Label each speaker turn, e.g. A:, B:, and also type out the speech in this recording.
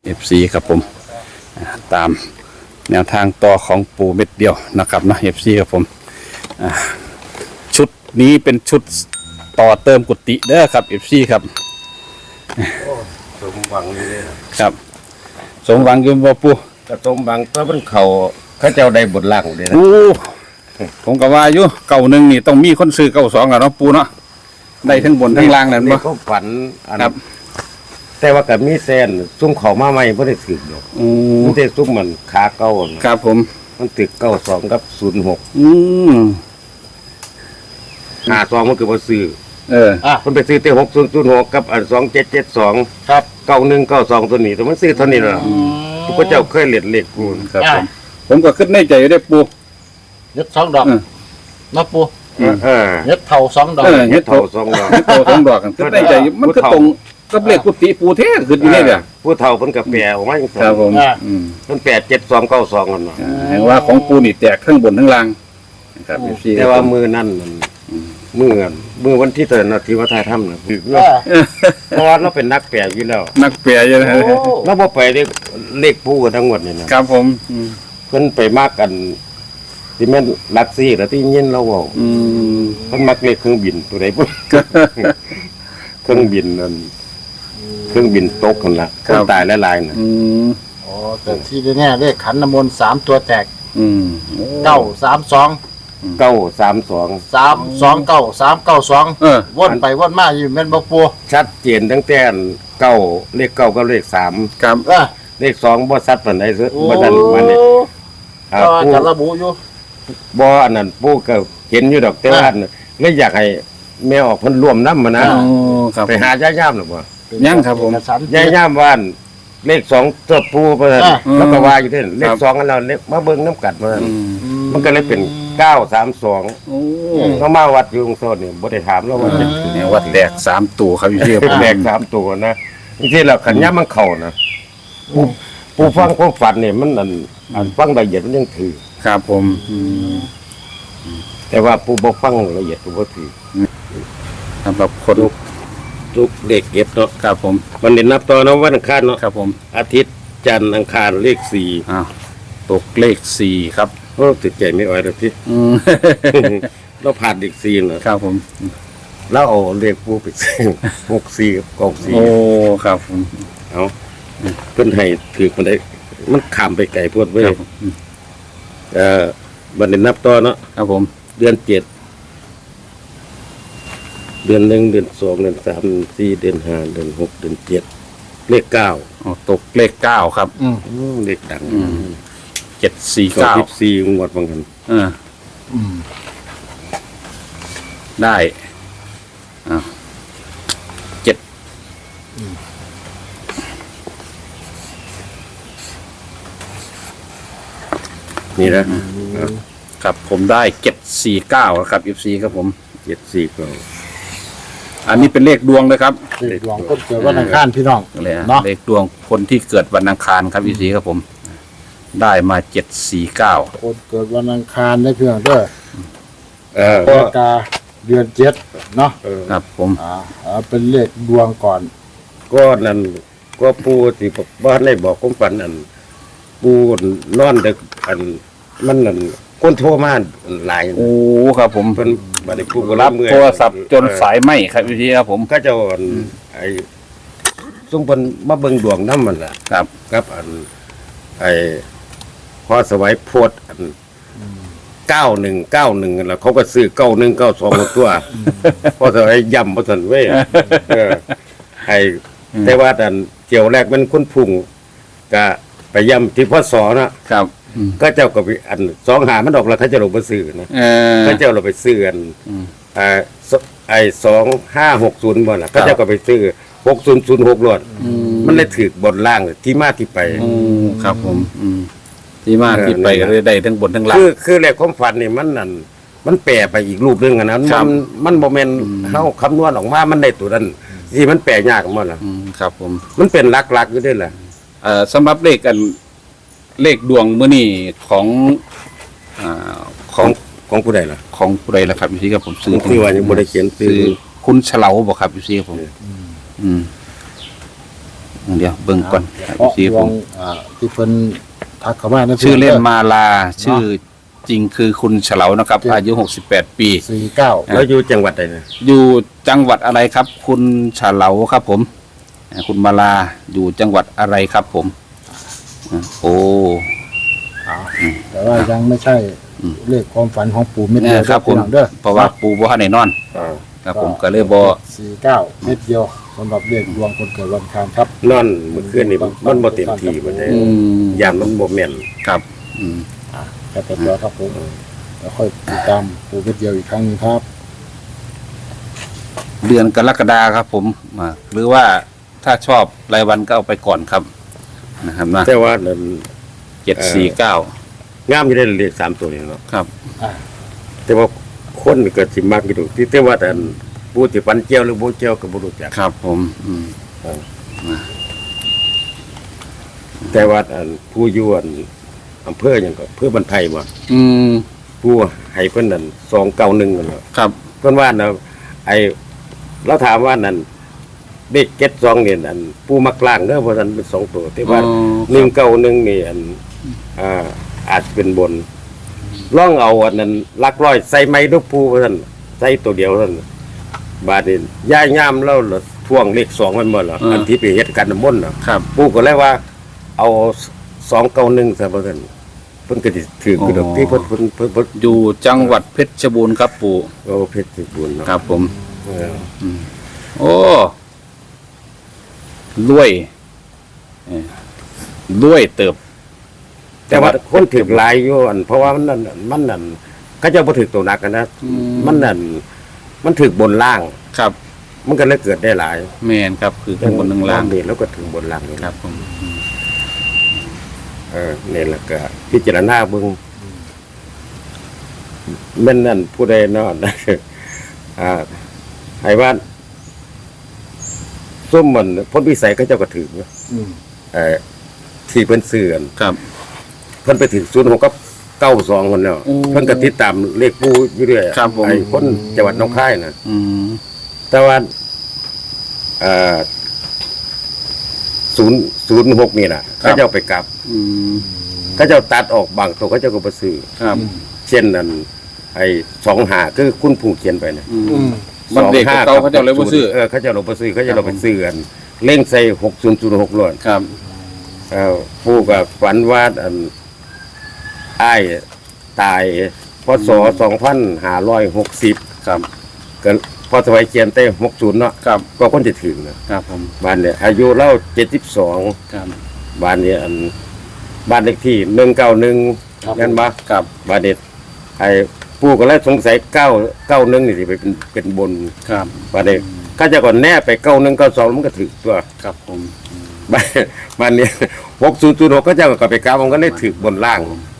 A: FC ครับผมตามแนวทางต่อของปูเม็ดเดียวนะครับนะ FC ครับผมชุดนี้เป็นชุดต่อเติมกุฏิเด้อครับ FC ครับ
B: สมหวังนี่เลย
A: ครับสมหวังอยืมบ่ปู
B: ก็สมหวังตัวมันเขาเจ้าได้บทล่างเลยนะ
A: โอ้ผมก็ว่าอยู่เก่าหนึ่งนี่ต้องมีคนซื้อเก่าสองอะเนาะปูเนาะได้ทั้งบนทั้งล่างนั่นบ่
B: ก็ฝันอัน
A: ครับ
B: แต่ว่ากับมีแซนซุ่มเขามาใหม่ไม่ได้ถึกหรอก
A: โอ้
B: มันได้ซุ่มมันขาเก้าน่ะ
A: ครับผม
B: มันตึก92กับ06
A: ม
B: 52มันคือบ่ซื้อ มันไปซื้อแต่6006กับอัน2772
C: ครับ
B: 9192ตัวนี้แต่มันซื้อเท่านี้ล่ะทุกคนเจ้าเคยเล่นเลขกู
A: ครับผมก็คิดในใจอยู่ได้ปู
C: ยึด2 ดอก
A: เออ
C: มาปู
B: เออ
C: ยึดเท่า2 ดอก
A: เฮ็ด
B: เท่า
A: เท่า
B: 2ดอก
A: เฮ็ดเท่าสองดอกกันคิดในใจอยู่มันก็ตรงกับเลขกุฏิปูเทศขึ้นอยู่นี่แหละ
B: ผู้เฒ่าเพิ่นก็แปลออกมาจังซั่น
A: ครับผม
B: เพิ่นแปล7292กันเนาะ
A: เห็นว่าของปูนี่แตกทั้งบนทั้งล่างนะครับ FC
B: แต่ว่ามือนั่นมันมือวันที่เตือนนาทีว่าทายถ้ำนะคือเพราะว่าเราเป็นนักแปลอยู่แล้ว
A: นักเปียอยู่นะ
C: โอ้
B: เราบ่ไปเลขผู้กันทั้งหมดนี่นะครับ
A: ผม
B: เพิ่นไปมากกันที่แม่นลักซี่แล้วที่ยินเราเว้าเพิ่นมักเลขเครื่องบินตัวใดปุ๊บ เครื่องบินนั่นเครื่องบินตกกันละคนตายหลายๆน่ะ
C: โอ้แต่ที่แน่ๆเลขขันน้ำมนต์3 ตัวแตก 932
B: 932
C: 329 392วนไปวนมาอยู่แม่นบ่ปู
B: ชัดเจนตั้งแต่เก้าเลขเก้ากับเลข3
A: ครับ
B: เลข2บ่ชัดปานใดซะ
C: โอ้
B: บ่ทันมันนี่
C: ก็จะระบุอยู่
B: บ่อันนั้นปู่ก็เห็นอยู่ดอกแต่ว่าเลยอยากให้แม่ออกเพิ่นร่วมนำมานะ
A: ครับ
B: ไปหาย่ามหรือบ่
A: ยังครับผม
C: เอกสาร
B: ย่ามว่านเลข2ตัวปู่เพิ่นแล้วก็ว่าอยู่เด้เลข2อันแล้วเลขมาเบิ่งน้ำกัดมามันก็เลยเป็น932
A: โอ้
B: ก็มาวัดอยู่ตรงโซนนี่บ่ได้ถามแล้วว่าจะ
A: เนี่ยว่าแตก3ตัวครับอยู่ที่
B: เป็นแดก3ตัวนะจริงๆแล้วขันย่ามมันเข้านะปู่ฟังความฝันนี่มันอันฟังละเอียดมันยังถือ
A: ครับผม
B: แต่ว่าปู่บ่ฟังละเอียดปู่บ่ถือ
A: สำหรับคน
B: ทุกเด็กเก็บเนาะ
A: ครับผม
B: วันนี้นับต่อเนาะวันอังคารเนาะ
A: ครับผม
B: อาทิตย์จันทร์อังคารเลข4
A: อ้าวตกเลข4ครับ
B: โอ้ติดใจไม่อ่อยแล้วพี่ เราผ่านเลข4นะครับ
A: ผม
B: แล้วเอาเลขปู่ไปซื้อ64กับกอง
A: โอ้ครับผม
B: 4เอาเพิ่นให้ถือมันได้มันข้ามไปไกลโพดเว้ย
A: ครับผม
B: วันนี้นับต่อเนาะ
A: ครับผม
B: เดือน7เดือน1เดือน2เดือน3เดือน4เดือน5เดือน6เดือน7เลข9
A: อ๋อตกเลข9ครับ
B: เลขดัง
A: 749
B: 14งวดบางกัน
A: ได้อ้าว7
B: นี่นะครับ
A: ผมได้749ครับ FC ครับผม
B: 74ก็
A: อันนี้เป็นเลขดวงเลยครับ
C: เลขดวงคนเกิดวันอังคารพี่น้อง
A: เลยฮะ
C: เนาะ
A: เลขดวงคนที่เกิดวันอังคารครับ FC ครับผม ได้มา749
C: คนเกิดวันอังคารได้เพียงเด้อ
B: ก็
C: กรกฎาเดือน7เนาะ
A: ครับผม
C: เป็นเลขดวงก่อน
B: ก็นั่นก็ปูที่บ้านได้บอกผมฝันอันปูนอนดึกอันมันนั่นคนโทรมาหลาย
A: โอ้ครับผม
B: เพิ่นบัดนี้ปูก็
A: รับ
B: เมื่อย
A: โทรศัพท์จนสายไหมครับ FC ครับผม
B: ก็เจะอันไอ้ซุ่มเพิ่นมาเบิ่งดวงนำมันล่ะ
A: ครับ
B: ครับอันไอ้พอสวัยโพดอัน9191นั่นล่ะเขาก็ซื้อ9192ตัวพอสวัยย่ำบ่ทันเว้ยไอ้แต่ว่าอันเกี่ยวแรกมันคุณพุ่งก็ไปย่ำที่พศนะครับ ก็เจ้าก็ไปอัน2หามันออกแล้วเขาจะลงไปซื้อนะเขาเจ้าเราไปซื้อกันไอ้2560บ่ล่ะเขาเจ้าก็ไปซื้อ6006รถมันเลยถูกบนล่างที่มาที่ไป
A: ครับผมที่มาที่ไปก็เลยได้ทั้งบนทั้งล่าง
B: คือเลขความฝันนี่มันนั่นมันแปรไปอีกรูปนึงอะนะมันบ่แม่นเฮาคำนวณออกมามันได้ตัวนั้นที่มันแปรยากหมดล่ะ
A: ครับผม
B: มันเป็นหลักๆอยู่ด้วยล่ะ
A: สำหรับเลขกันเลขดวงมื้อนี้ของของ
B: ของผู้ใดล่ะ
A: ของผู้ใดล่ะครับพี่ครับผมซื้อ
B: คือว่ายังบ่ได้เขียนซื้อ
A: คุณเฉลาบ่ครับพี่ครับผมเดี๋ยวเบิ่งก่อน
C: เพราะ
A: สี
C: ด
A: ผ
C: ว
A: ม
C: งที่เพิ่นทักเข้ามา
A: ชื่อเล่นมาลาชื่อจริงคือคุณเฉลานะครับ อายุ 68 ปี
C: 49
B: แล้วอยู่จังหวัดใดนะ
A: อยู่จังหวัดอะไรครับ คุณเฉลาครับผมคุณมาลาอยู่จังหวัดอะไรครับผมโอ้
C: แต่ว่ายังไม่ใช่เลขความฝันของปู่เม็ด
A: เนี่
C: เดี
A: ย
C: ยว
A: ครับผม
C: เด้อ
A: เพราะว่าปูบ่ทันได้นอน
B: อ่า
A: ครับผมก็เลยบ่
C: 49เม็ดเดียวสำหรับเลขดวงคนเกิดวันอังคารครับ
B: นอนเมื่อคืนนี่มันบ่เต็มที่บ่ได้
A: อืม
B: ยามมันบ่แม่น
A: ครับอืม
C: แค่ตัวครับผมแล้วค่อยติดตามปู่เม็ดเดียวอีกครั้งหนึงครับ
A: เดือนกรกฎาครับผมหรือว่าถ้าชอบรายวันก็เอาไปก่อนครับนะครับนะ
B: แต่ว่านั่น
A: 749
B: งามอยู่ได้เลข3ตัวนี่เนาะ
A: ครับ
B: แต่ว่าคนก็สิมักอยู่ที่แต่ว่าแต่ผู้ที่ปันเจียวหรือบ่เจียวก็บ่รู้จัก
A: ครับผม
B: แต่ว่าผู้อยู่อำเภอหยังก็อำเภอบันไทยบ่
A: อืม
B: ผู้ให้เพิ่นนั่น291นั่นแหละ
A: ครับ
B: เพิ่นว่าน่ะไอ้เราถามว่านั่นเด็ก72นี่นั่นผู้มักล่างเด้อเพราะนั้นเป็น2ตัวแต่ว่า191นี่อาจจะเป็นบนลองเอาอันนั้นหลักร้อยใส่ไม้ลูกผู้เพราะนั้นใส่ตัวเดียวเท่านั้นบาดนี้ย่ายามแล้วท่วงเลข2มันหมดเหรออันที่ไปเฮ็ดกันน้ำมนต์น่ะ
A: ครับ
B: ปู่ก็เลยว่า เอา291ซะเพราะนั้นเพิ่นก็สิถือคือดอกที่เพิ่น
A: อยู่จังหวัดเพชรบูรณ์ครับปู่
B: โอ้เพชรบูรณ์เนาะ
A: ครับผม
B: เออ
A: โอ้รวยรวยเติบ
B: แต่ว่าคนถือหลายอยู่อันเพราะว่ามันนั่นเขาเจ้าบ่ถือตัวหนักกันนะมันนั่นมันถือบนล่าง
A: ครับ
B: มันก็เลยเกิดได้หลาย
A: แม่นครับคือข้างบนข้างล่าง
B: นี่แล้วก็ถึงบนล่างนี่
A: ครับผม
B: นี่แหละก็พิจารณาเบิ่งแม่นนั่นผู้ใดเนาะ ให้ว่าส้มมันพ้นวิสัยเขาเจ้าก็ถือ
C: อืม
B: ที่เพิ่นซื้อกัน
A: ครับ
B: เพิ่นไปถึง06กับ92คนเนาะ
A: โอ้
B: เพิ่นก็ติดตามเลขปูอยู่เรื่อย
A: ครับผม
B: ไอ้คนจังหวัดหนองคายน่ะ
A: อืม
B: แต่ว่า06นี่น่ะ
A: ครับ
B: เขาเจ้าไปกลับ
A: อืม
B: เขาเจ้าตัดออกบางตัวเขาเจ้าก็บ่ซื้อ
A: ครับ
B: เช่นนั้นไอ้25คือคุณผู้เขียนไปน่ะ
A: อื
C: อื
A: ม
C: ม
A: มันเด็กกว่าเก่าเขาเจ้าเลยบ่ซื้อ
B: เขาเจ้าเราบ่ซื้อเขาเจ้าเราไปซื้อกันเล่งใส่6006ล้วน
A: ครับ
B: ผู้ก็ฝันว่าอ้ายตายพศ2560
A: ครับ
B: ก็พอสมัยเขียนแต่60เนาะ
A: ครับ
B: ก็คนจะถึงนะครับ
A: ผม
B: บ้านเนี่ยอายุเล่า72
A: ครับ
B: บ้านเนี่ยบ้านเลขที่191นั่นบ่
A: ครับ
B: บ้านเนี่ยไอ้ปู่ก็เลยสงสัย991นี่สิไปเป็นบน
A: ครับ
B: บ้านเนี่ยก็จะก่อนแน่ไป9192มันก็ถึงตัว
A: ครับผม
B: บ้านเนี่ย6006ก็จะก็ไปกราบมันก็เลยถึกบนล่าง
A: ค